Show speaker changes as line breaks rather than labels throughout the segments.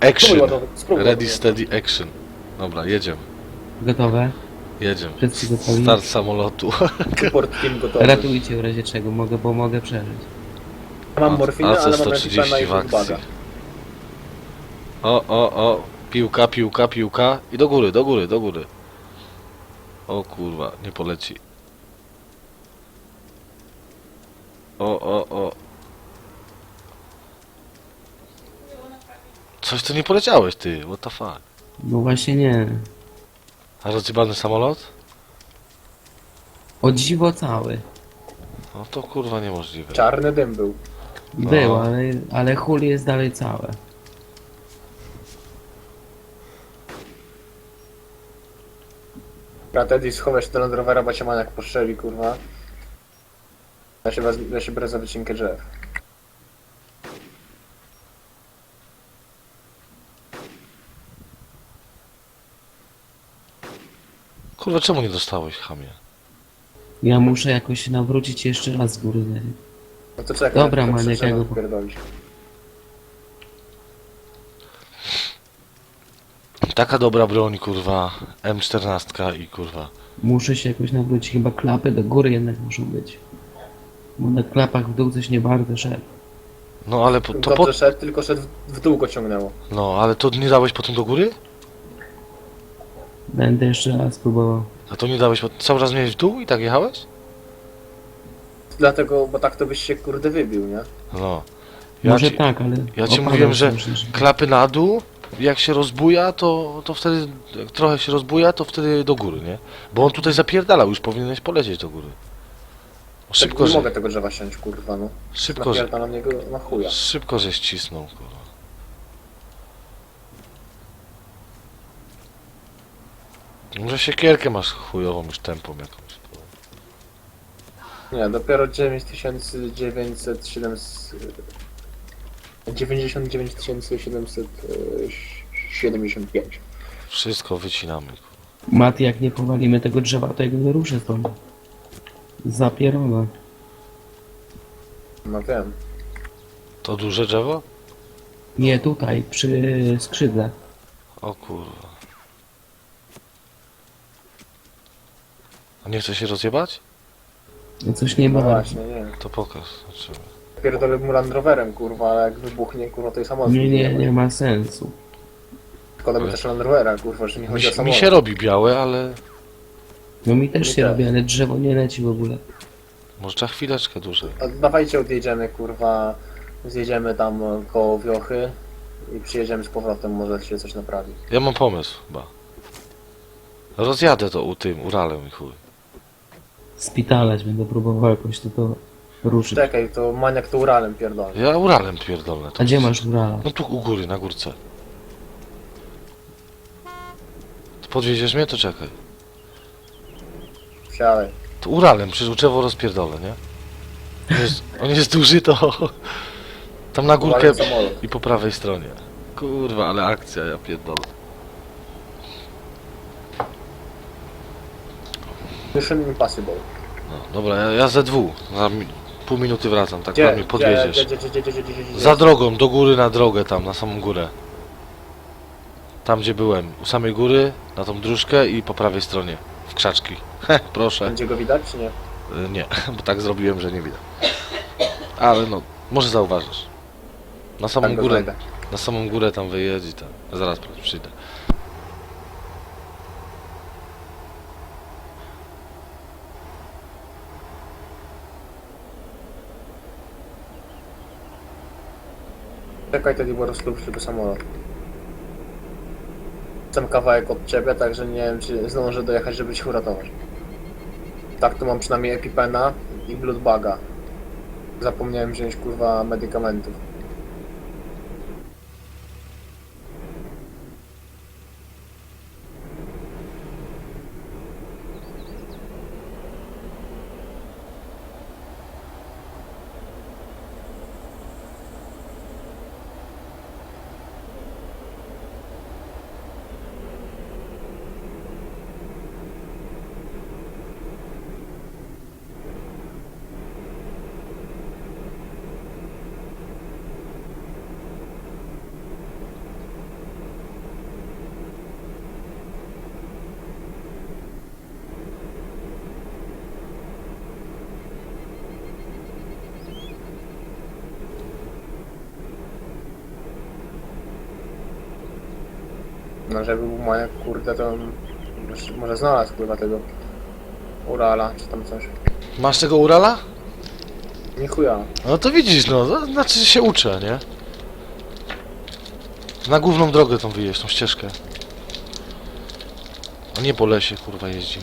Action.
Spróbuj
Ready,
ładować.
steady, action. Dobra, jedziemy.
Gotowe?
Jedziemy.
Wszyscy gotowi?
Start samolotu.
Support team gotowy.
Ratujcie w razie czego, bo mogę przeżyć.
Mam morfinę, ale mam
AC-130
epipena i
w akcji.
baga.
O. Piłka, piłka, piłka. I do góry, do góry, do góry. O kurwa, nie poleci. O. Coś tu nie poleciałeś, ty. What the fuck?
No właśnie nie.
A rozjebany samolot?
O dziwo cały.
No to kurwa niemożliwe.
Czarny dym był.
Był, ale hul jest dalej całe.
Ja Teddy schowaj się do Land Rovera, bo cię maniak postrzeli, kurwa. Ja się biorę za wycinkę drzew.
Kurwa, czemu nie dostałeś, chamie?
Ja muszę jakoś nawrócić jeszcze raz z góry.
No to czekaj.
Dobra,
to
maniak,
trzeba
ja go-
wypierdolić.
Taka dobra broń, kurwa. M14 i kurwa.
Muszę się jakoś nawrócić. Chyba klapy do góry jednak muszą być. Bo na klapach w dół coś nie bardzo szedł.
No ale to
Dobrze szedł, tylko szedł w dół go ciągnęło.
No, ale to nie dałeś potem do góry?
Będę jeszcze raz próbował.
A to nie dałeś, cały czas miałeś w dół i tak jechałeś?
Dlatego, bo tak to byś się kurde wybił, nie?
No. Ja
Może
ci,
tak, ale...
ja ci
opadał
mówiłem, że
strasznie,
klapy na dół, jak się rozbuja, to wtedy, jak trochę się rozbuja, to wtedy do góry, nie? Bo on tutaj zapierdalał, już powinieneś polecieć do góry. Szybko,
Tak nie
że,
mogę tego drzewa siąść, kurwa, no.
szybko, że,
Napierda na niego na chuja.
szybko, że ścisnął, kurwa. Może siekierkę masz chujową już tempą jakąś.
Nie, dopiero 99 775.
Wszystko wycinamy, kurwa.
Mati, jak nie powalimy tego drzewa, to ja go wyruszę stąd. Zapierona.
No wiem.
To duże drzewo?
Nie, tutaj, przy skrzydle.
O kurwa. A nie chce się rozjebać?
No coś nie
No
ma.
właśnie, nie.
To pokaż. Znaczy,
Pierdolę mu Land Roverem, kurwa, ale jak wybuchnie, kurwa, to i samolot.
Nie ma sensu.
Szkoda by też Land Rovera, kurwa, że nie chodzi o
mi
samolot.
się robi białe, ale
No mi też
Mi
się
też.
robi, ale drzewo nie leci w ogóle.
może trzeba chwileczkę dłużej.
A dawajcie odjedziemy, kurwa, zjedziemy tam koło Wiochy i przyjedziemy z powrotem, może się coś naprawi.
Ja mam pomysł chyba. Rozjadę to Uralem i chuj.
Spitalać będę próbował jakoś to ruszyć.
Czekaj, to maniak to Uralem pierdolę.
Ja Uralem pierdolę.
A gdzie masz Urala?
No tu u góry, na górce. To podwieziesz mnie? To czekaj.
Wsiadaj.
To Uralem, przecież drzewo rozpierdolę, nie? On jest duży, to... Tam na górkę
Uwalę samolot.
i po prawej stronie. Kurwa, ale akcja, ja pierdolę.
Mission Impossible.
No, dobra, ja ZW. Za pół minuty wracam, tak na mnie podwieziesz.
Gdzie?
Za drogą, do góry na drogę tam, na samą górę. Tam gdzie byłem, u samej góry, na tą dróżkę i po prawej stronie. W krzaczki. Proszę.
Będzie go widać, czy nie?
Nie, bo tak zrobiłem, że nie widać. Ale no, może zauważysz. Na samą
Tak go
górę,
znajdę.
na samą górę tam wyjedź i tam. Zaraz przyjdę.
Czekaj, Teddy, bo rozlubisz tylko samolot. Jestem kawałek od ciebie, także nie wiem, czy zdążę dojechać, żeby cię uratować. Tak, tu mam przynajmniej Epipena i Bloodbaga. Zapomniałem wziąć, kurwa, medykamentów. No żeby był Maniak, kurde, to może znalazł kurwa tego Urala, czy tam coś.
Masz tego Urala?
Nie chuja.
No to widzisz, no, to znaczy że się uczę, nie? Na główną drogę tą wyjeźdź, tą ścieżkę. A nie po lesie, kurwa, jeździ.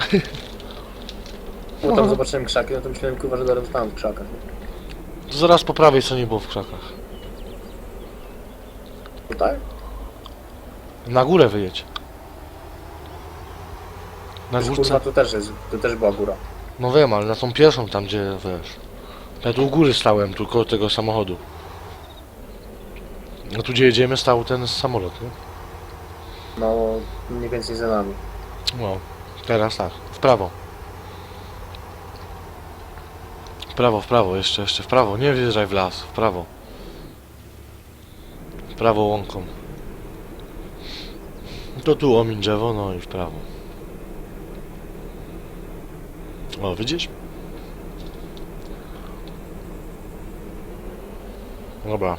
Bo tam zobaczyłem krzaki, no to myślałem kurwa, że zaraz tam w krzakach.
To zaraz po prawej, co nie było w krzakach.
Tutaj?
Na górę wyjedź. Na
Już,
górce.
kurwa, tu też była góra.
No wiem, ale na tą pierwszą tam, gdzie wiesz. Ja tu u góry stałem, tu koło tego samochodu. No tu gdzie jedziemy stał ten samolot, nie?
No, mniej więcej za nami.
No, teraz tak, w prawo. W prawo, jeszcze w prawo, nie wjeżdżaj w las, w prawo. W prawo łąką. To tu omiń drzewo, no i w prawo. O, widzisz? Dobra.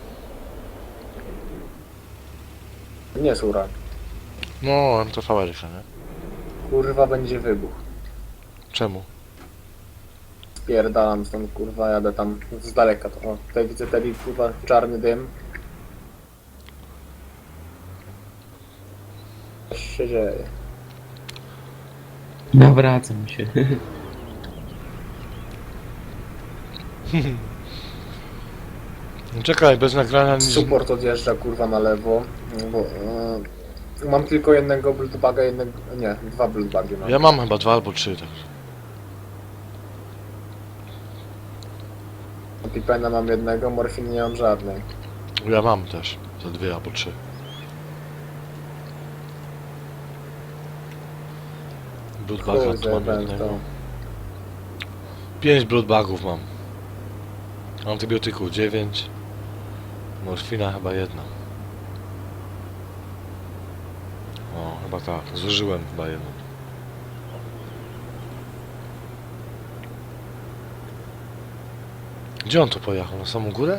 Nie jest Ural.
No, to fabryka, nie?
Kurwa, będzie wybuch.
Czemu?
Spierdalam stąd, kurwa, jadę tam z daleka. To, o, tutaj widzę taki, kurwa, czarny dym. Coś się dzieje.
Nawracam się.
Czekaj, bez nagrania nic...
Support odjeżdża, kurwa, na lewo. Bo, mam tylko jednego bloodbaga, jednego... Nie, dwa bloodbagi mam.
Ja mam chyba 2 albo 3, tak.
Pipena mam jednego, morfiny nie mam żadnej.
Ja mam też, za 2 albo 3. Bloodbaga
Chuj,
tu mam
zajebałem
jednego.
to.
5 bloodbagów mam. Antybiotyku 9. Morfina chyba 1. O, chyba tak. Zużyłem chyba 1. Gdzie on tu pojechał? Na samą górę?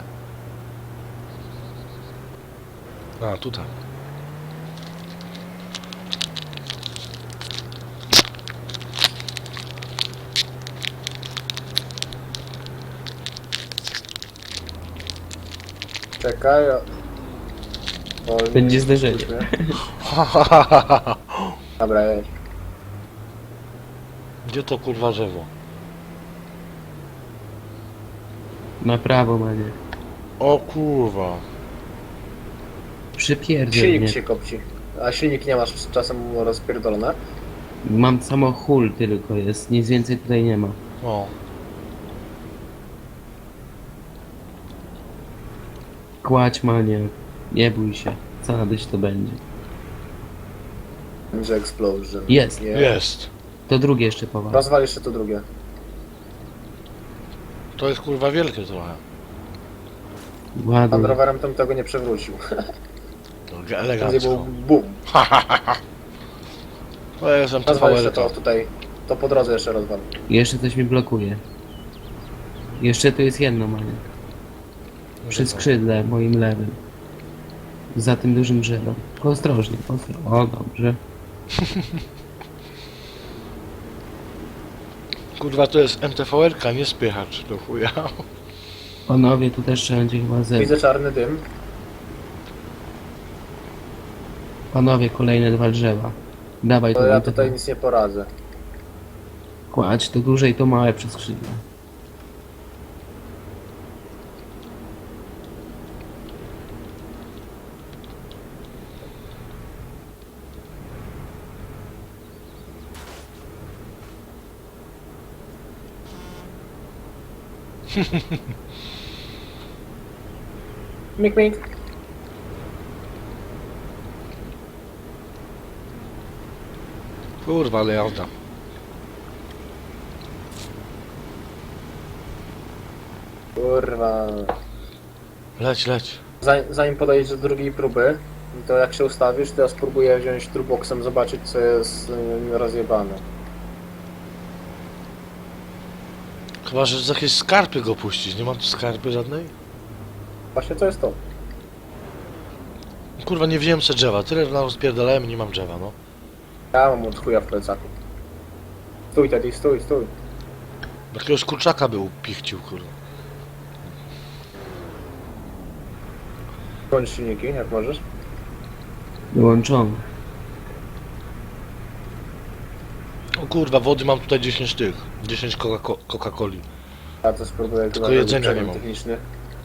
A, tutaj.
Czekaj. Wolniej,
Będzie zderzenie.
kurwa. Dobra, jedź.
Gdzie to kurwa drzewo?
Na prawo, Manie.
O kurwa.
Przypierdziel
Silnik
mnie.
się kopci. A silnik nie masz czasem rozpierdolone?
Mam samo hul tylko jest, nic więcej tutaj nie ma.
O.
Kładź, Manie. Nie bój się. Co nadyś to będzie.
Będzie explosion.
Jest.
Jest.
To drugie jeszcze powal.
Rozwal jeszcze to drugie.
To jest kurwa wielkie trochę.
Pan
Ładuj.
rowerem tam tego nie przewrócił.
To
Będzie
elegancko.
był boom.
To jest
Rozwal jeszcze
MTV.
to tutaj. To po drodze jeszcze rozwal.
Jeszcze coś mi blokuje. Jeszcze tu jest jedno, Manie. Przy skrzydle moim lewym. Za tym dużym drzewem. Tylko ostrożnie, ostrożnie. O, dobrze.
Kurwa to jest MTV-erka, nie spychacz do chuja.
Panowie, tu też trzeba będzie chyba zebrać.
Widzę czarny dym.
Panowie, kolejne 2 drzewa. Dawaj
To
to
ja
MTV.
tutaj nic nie poradzę.
Kładź to duże i to małe przez skrzydle.
Mik, mik.
Kurwa, ale jazda.
Kurwa.
Leć, leć.
Zanim podejdziesz do drugiej próby, to jak się ustawisz, to ja spróbuję wziąć turboksem, zobaczyć co jest rozjebane.
Chyba, że z jakiejś skarpy go puścić. Nie ma tu skarpy żadnej?
Właśnie co jest to?
Kurwa, nie wziąłem se drzewa. Tyle nam rozpierdalałem i nie mam drzewa, no.
Ja mam od chuja w plecaku. Stój, Teddy, stój, stój.
Jakiegoś kurczaka był pichcił, kurwa.
Kończ silniki, jak możesz.
Wyłączony.
O kurwa, wody mam tutaj 10 tych. 10 Coca-Coli.
Ja to spróbuję
Tylko
chyba
jedzenia
zrobić
nie
przegląd
mam.
techniczny.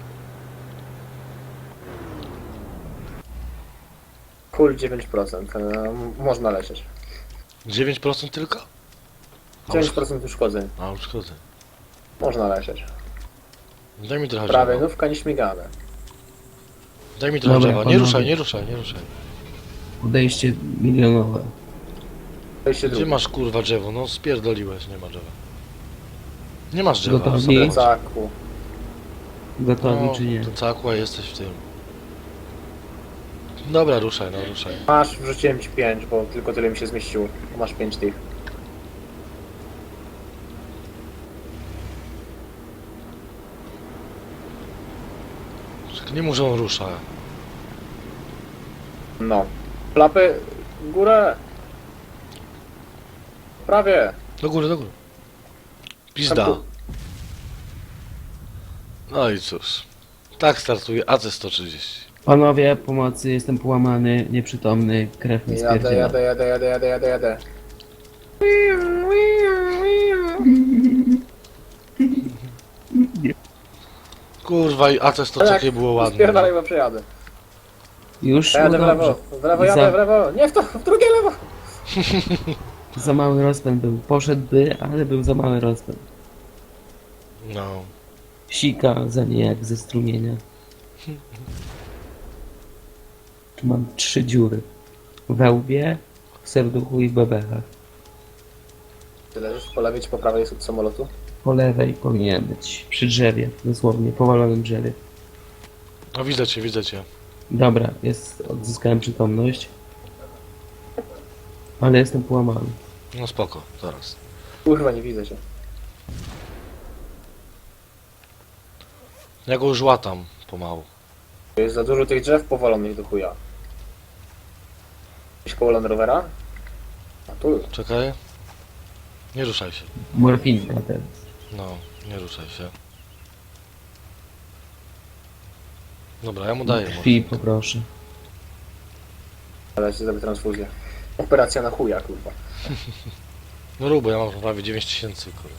Full 9%, można lecieć.
9% tylko?
9% uszkodzeń,
A, uszkodzę.
można lecieć.
Daj mi trochę
Prawie
drzewa.
nówka nieśmigane.
Daj mi trochę
Dobra,
drzewa. Nie
panowie.
ruszaj, nie ruszaj, nie ruszaj.
Podejście milionowe.
Wejście
Gdzie
drugie.
masz kurwa drzewo? No spierdoliłeś, nie ma drzewa. Nie masz drzewa.
Gotowi?
sobie chodź.
Plecaku.
Gotowi
No,
czy nie?
to całkła jesteś w tym. Dobra, ruszaj, no ruszaj.
Masz, wrzuciłem ci 5, bo tylko tyle mi się zmieściło. Masz 5 tych.
Nie mów, że on rusza.
No. Klapy, w górę. Prawie.
Do góry, do góry. Pizda.
Tam tu.
No i cóż. Tak startuje AC-130.
Panowie, pomocy, jestem połamany, nieprzytomny, krew mi
Jadę,
spierdziela.
jadę.
Kurwa, i AC-100 takie było ładne.
Spierdalaj, bo przejadę.
Już
Jadę w
było
lewo,
dobrze.
w lewo jadę, w lewo. Nie w to, w drugie lewo.
Za mały rozpęd był. Poszedłby, ale był za mały rozpęd.
No.
Sika za nie jak ze strumienia. Tu mam 3 dziury. We łbie, w serduchu i w bebechach.
Ty leżysz po lewej czy po prawej od samolotu?
Po lewej powinien być. Przy drzewie, dosłownie, powalonym drzewie.
No widzę cię, widzę cię.
Dobra, odzyskałem przytomność. Ale jestem połamany.
No spoko, zaraz.
Kurwa, nie widzę cię.
Ja go już łatam pomału.
Jest za dużo tych drzew powalonych do chuja. Gdzieś koło Land Rovera? A tu.
Czekaj. Nie ruszaj się.
Morfinka teraz.
No, nie ruszaj się. Dobra, ja mu daję może.
Krwi poproszę.
Ale ci zrobię transfuzję. Operacja na chuja, kurwa.
No rób, bo ja mam prawie 9000, kurwa.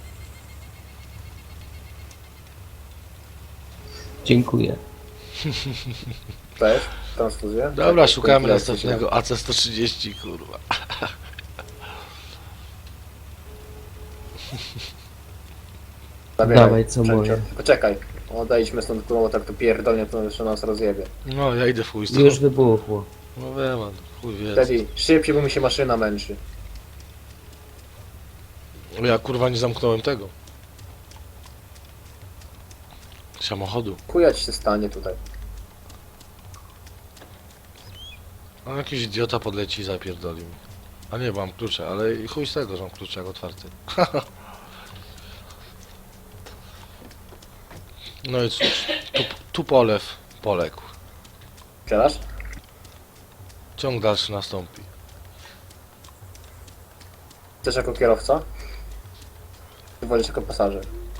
Dziękuję.
Cześć, transfuzję.
Dobra,
Tak,
szukamy
tak,
następnego AC-130, kurwa.
Zabieraj,
Dawaj, co
sprzęcie.
moje.
Poczekaj. Odejdźmy stąd, kurwa, bo tak to pierdolnie, to jeszcze nas rozjebie.
No, ja idę w chuj z
Już
tobą.
wybuchło.
No wiem, man, chuj wie.
Wtedy szybciej, bo mi się maszyna męczy.
Ja kurwa nie zamknąłem tego. Samochodu.
Chuja ci się stanie tutaj.
A jakiś idiota podleci i zapierdoli mi. A nie, bo mam klucze, ale i chuj z tego, że mam klucze jak otwarty. No i cóż, tu polew poległ.
Strzelasz?
Ciąg dalszy nastąpi.
Chcesz jako kierowca? Czy wolisz jako pasażer?